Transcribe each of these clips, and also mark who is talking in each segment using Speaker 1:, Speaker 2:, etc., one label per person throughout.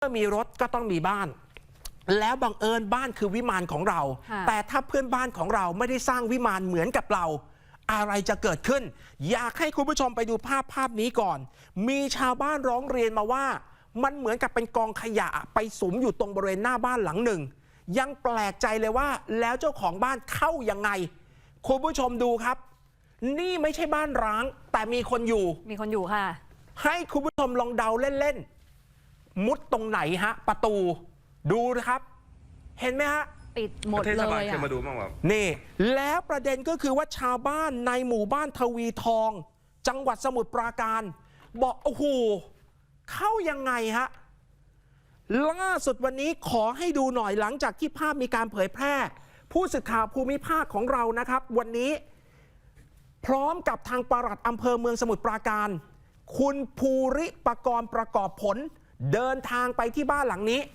Speaker 1: เมื่อมีรถก็ต้องมีบ้านแล้วบังเอิญบ้านคือวิมานของเราแต่ถ้าเพื่อนบ้านของเราไม่ได้สร้างวิมานเหมือนกับเราอะไรจะเกิดขึ้นอยากให้คุณผู้ชมไปดูภาพนี้ก่อนมีชาวบ้านร้องเรียนมาว่ามันเหมือนกับเป็นกองขยะไปสุมอยู่ตรงบริเวณหน้าบ้านหลังหนึ่งยังแปลกใจเลยว่าแล้วเจ้าของบ้านเข้ายังไงคุณผู้ชมดูครับนี่ไม่ใช่บ้านร้างแต่มีคนอยู่ค่ะให้คุณผู้ชมลองเดาเล่นๆมุดตรงไหนฮะประตูดูนะครับเห็นไหมฮะ
Speaker 2: ปิดหมดเลยอ่ะ
Speaker 1: นี่แล้วประเด็นก็คือว่าชาวบ้านในหมู่บ้านทวีทองจังหวัดสมุทรปราการบอกโอ้โหเข้ายังไงฮะล่าสุดวันนี้ขอให้ดูหน่อยหลังจากที่ภาพมีการเผยแพร่ผู้สื่อข่าวภูมิภาคของเรานะครับวันนี้พร้อมกับทางปลัดอำเภอเมืองสมุทรปราการคุณภูริปกรณ์ประกอบผลเดินทางไปที่บ้านหลังนี้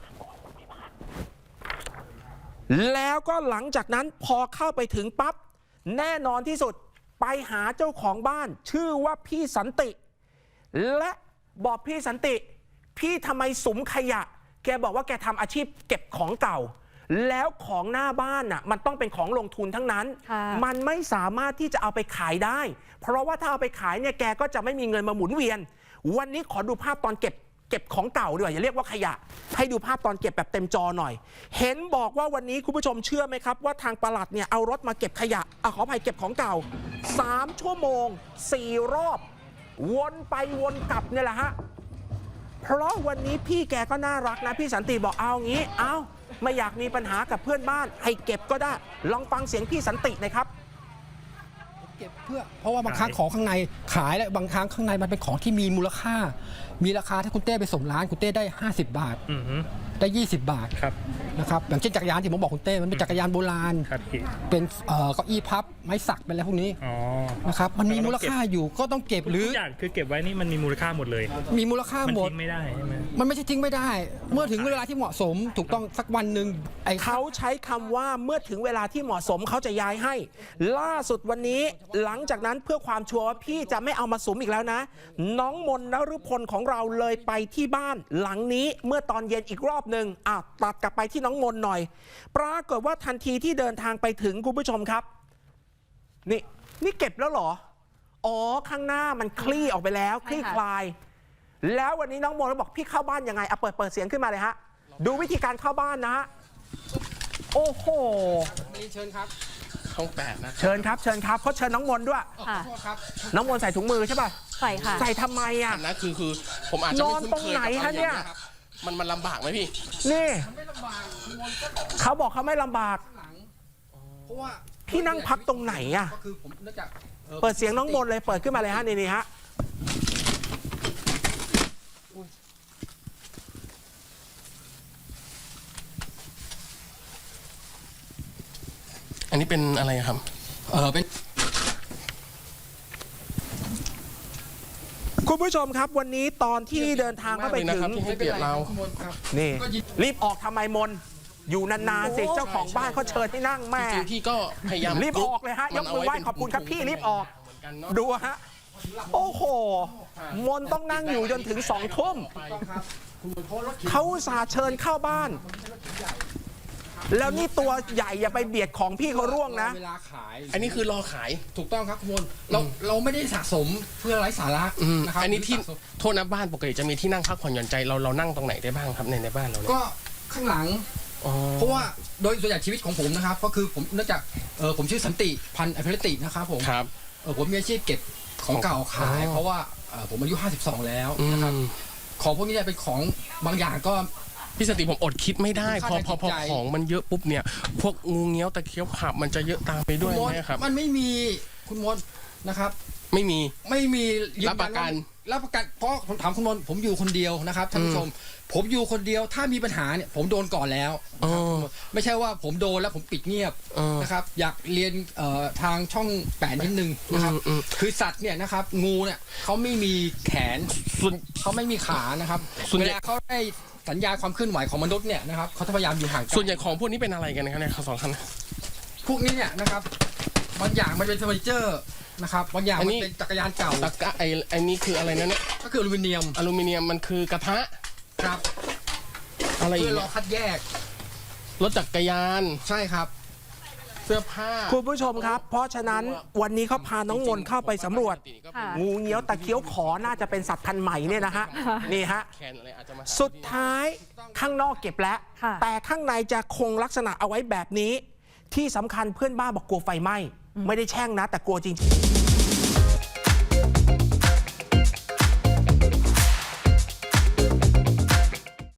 Speaker 1: แล้วก็หลังจากนั้นพอเข้าไปถึงปั๊บแน่นอนที่สุดไปหาเจ้าของบ้านชื่อว่าพี่สันติและบอกพี่สันติพี่ทำไมสุมขยะแกบอกว่าแกทำอาชีพเก็บของเก่าแล้วของหน้าบ้านน่ะมันต้องเป็นของลงทุนทั้งนั้นมันไม่สามารถที่จะเอาไปขายได้เพราะว่าถ้าเอาไปขายเนี่ยแกก็จะไม่มีเงินมาหมุนเวียนวันนี้ขอดูภาพตอนเก็บของเก่าด้วยอย่าเรียกว่าขยะให้ดูภาพตอนเก็บแบบเต็มจอหน่อยเห็นบอกว่าวันนี้คุณผู้ชมเชื่อไหมครับว่าทางปลัดเนี่ยเอารถมาเก็บขยะขออภัยเก็บของเก่า3 ชั่วโมง 4 รอบวนไปวนกลับเนี่ยแหละฮะเพราะวันนี้พี่แกก็น่ารักนะพี่สันติบอกเอางี้ไม่อยากมีปัญหากับเพื่อนบ้านให้เก็บก็ได้ลองฟังเสียงพี่สันติหน่อยครับ
Speaker 3: เก็บเพราะว่าบางครั้งของข้างในขายแล้วบางครั้งข้างในมันเป็นของที่มีมูลค่ามีราคาถ้าคุณเต้ไปส่งร้านคุณเต้ได้50 บาทได้20 บาทนะครับอย่างเช่นจักรยานที่ผมบอกคุณเต้มันเป็นจักรยานโบราณเป็นเก้าอี้พับไม้สักเป็นอะไรพวกนี้นะครับมันมีมูลค่าอยู่ก็ต้องเก็บหรือ
Speaker 4: ทุกอย่างคือเก็บไว้นี่มันมีมูลค่าหมดเลย
Speaker 3: มีมูลค่าหมด
Speaker 4: ทิ้งไม่ได้ใช่ไหม
Speaker 3: มันไม่ใช่ทิ้งไม่ได้เมื่อถึงเวลาที่เหมาะสมถูกต้องสักวันหนึ่ง
Speaker 1: เขาใช้คำว่าเมื่อถึงเวลาที่เหมาะสมเขาจะย้ายให้ล่าสุดวันนี้หลังจากนั้นเพื่อความชัวร์ว่าพี่จะไม่เอามาสุมอีกแล้วนะน้องมนนฤพลของเราเลยไปที่บ้านหลังนี้เมื่อตอนเย็นอีกรอบหนึ่งตัดกลับไปที่น้องมนหน่อยปรากฏว่าทันทีที่เดินทางไปถึงคุณผู้ชมครับนี่เก็บแล้วเหรอข้างหน้ามันคลี่ออกไปแล้วคลี่คลายแล้ววันนี้น้องมนบอกพี่เข้าบ้านยังไงเปิดเสียงขึ้นมาเลยฮะดูวิธีการเข้าบ้านนะฮะโอ้โห
Speaker 3: เชิญครับ
Speaker 5: ช่อง8นะ
Speaker 1: เชิญครับเขาเชิญน้องมนด้วยน้องมนใส่ถุงมือใช่ป่ะ
Speaker 2: ใส่ค่ะ
Speaker 1: ใส่ทำไม
Speaker 5: นะคือผมอาจจะไม่คุ้นเคย
Speaker 1: กับเนี่ย
Speaker 5: มันลำบากไหมพี่
Speaker 1: นี่เขาบอกเขาไม่ลำบาก
Speaker 3: เพราะว่า
Speaker 1: พี่นั่งพักตรงไหน
Speaker 3: ก็คือผมนึกจาก
Speaker 1: เปิดเสียงน้องมนเลยเปิดขึ้นมาเลยฮะนี่ฮะ
Speaker 5: อันนี้เป็นอะไรครับ
Speaker 3: เป็น
Speaker 1: คุณผู้ชมครับวันนี้ตอนที่เดินทางเข้าไปถึง
Speaker 5: ที่ให้เกียรติเรา
Speaker 1: นี่รีบออกทำไมมนอยู่นานๆสิเจ้าของบ้านเขาเชิญที่นั่งแม่
Speaker 5: พี่ก็พยายาม
Speaker 1: รีบออกเลยฮะยกมือไหว้ขอบคุณครับพี่รีบออกดูฮะโอ้โหมนต้องนั่งอยู่จนถึง2 ทุ่มเขาอุตส่าห์เชิญเข้าบ้านแล้วนี่ตัวใหญ่อย่าไปเบียดของพี่เขาร่วงนะ
Speaker 3: เวลาขาย
Speaker 5: อันนี้คือรอขาย
Speaker 3: ถูกต้องครับคุณเราไม่ได้สะสมเพื่อไร้สาระ
Speaker 5: นะครับอันนี้ที่โทษนะบ้านปกติจะมีที่นั่งพักผ่อนหย่อนใจเรานั่งตรงไหนได้บ้างครับในบ้านเราเนี่ย
Speaker 3: ก็ข้างหลังเพราะว่าโดยส่วนใหญ่ชีวิตของผมนะครับก็คือผมเนื่องจากผมชื่อสันติพันธ์อภิรตินะครับผมผมมีอาชีพเก็บของเก่าขายเพราะว่าผมอายุ52แล้วนะครับของพวกนี้เป็นของบางอย่างก็
Speaker 5: พี่สติผมอดคิดไม่ได้พอของมันเยอะปุ๊บเนี่ยพวกงูเงี้ยวตะเคียวขับมันจะเยอะตามไปด้วยไหมครับ
Speaker 3: มันไม่มีคุณมดนะครับ
Speaker 5: ไม่มี
Speaker 3: รับประกันเพราะผมถามคุณมนผมอยู่คนเดียวนะครับท่านผู้ชมผมอยู่คนเดียวถ้ามีปัญหาเนี่ยผมโดนก่อนแล้วไม่ใช่ว่าผมโดนแล้วผมปิดเงียบนะครับอยากเรียนทางช่อง8นิดนึงนะครับคือสัตว์เนี่ยนะครับงูเนี่ยเขาไม่มีแขนเขาไม่มีขานะครับเวลาเขาได้สัญญาความเคลื่อนไหวของมนุษย์เนี่ยนะครับเขาพยายามอยู่ห่างกัน
Speaker 5: ส่วนใหญ่ของพวกนี้เป็นอะไรกันนะครับเนี่ยสองคัน
Speaker 3: พวกนี้เนี่ยนะครับบางอย่างมันเป็นเฟอร์นิเจอร์นะครับบางอย่างมันเป็นจักรยานเก่า
Speaker 5: ไอ้นี่คืออะไรนะเนี่ย
Speaker 3: ก็คืออลูมิเนียม
Speaker 5: มันคือกระทะ
Speaker 3: ครับ
Speaker 5: อะไรอี
Speaker 3: เพื่
Speaker 5: ก
Speaker 3: อรอ
Speaker 5: เนี่ย
Speaker 3: คัดแยก
Speaker 5: รถจักรยาน
Speaker 3: ใช่ครับ
Speaker 5: เสื้อผ้า
Speaker 1: คุณผู้ชมครับ เพราะฉะนั้นวันนี้เขาพาน้องมนต์เข้าไปสำรวจ
Speaker 2: ค่ะ
Speaker 1: งูเงี้ยวตะเคี้ยวขอน่าจะเป็นสัตว์พันธุ์ใหม่เนี่ยนะฮะ นี่ฮะ
Speaker 5: แขนอะไรอาจจะมาหา
Speaker 1: สุดท้ายข้างนอกเก็บแล้ว
Speaker 2: ค่ะ
Speaker 1: แต่ข้างในจะคงลักษณะเอาไว้แบบนี้ ที่สำคัญเพื่อนบ้านบอกกลัวไฟไหม้ ไม่ได้แช่งนะ แต่กลัวจริงๆ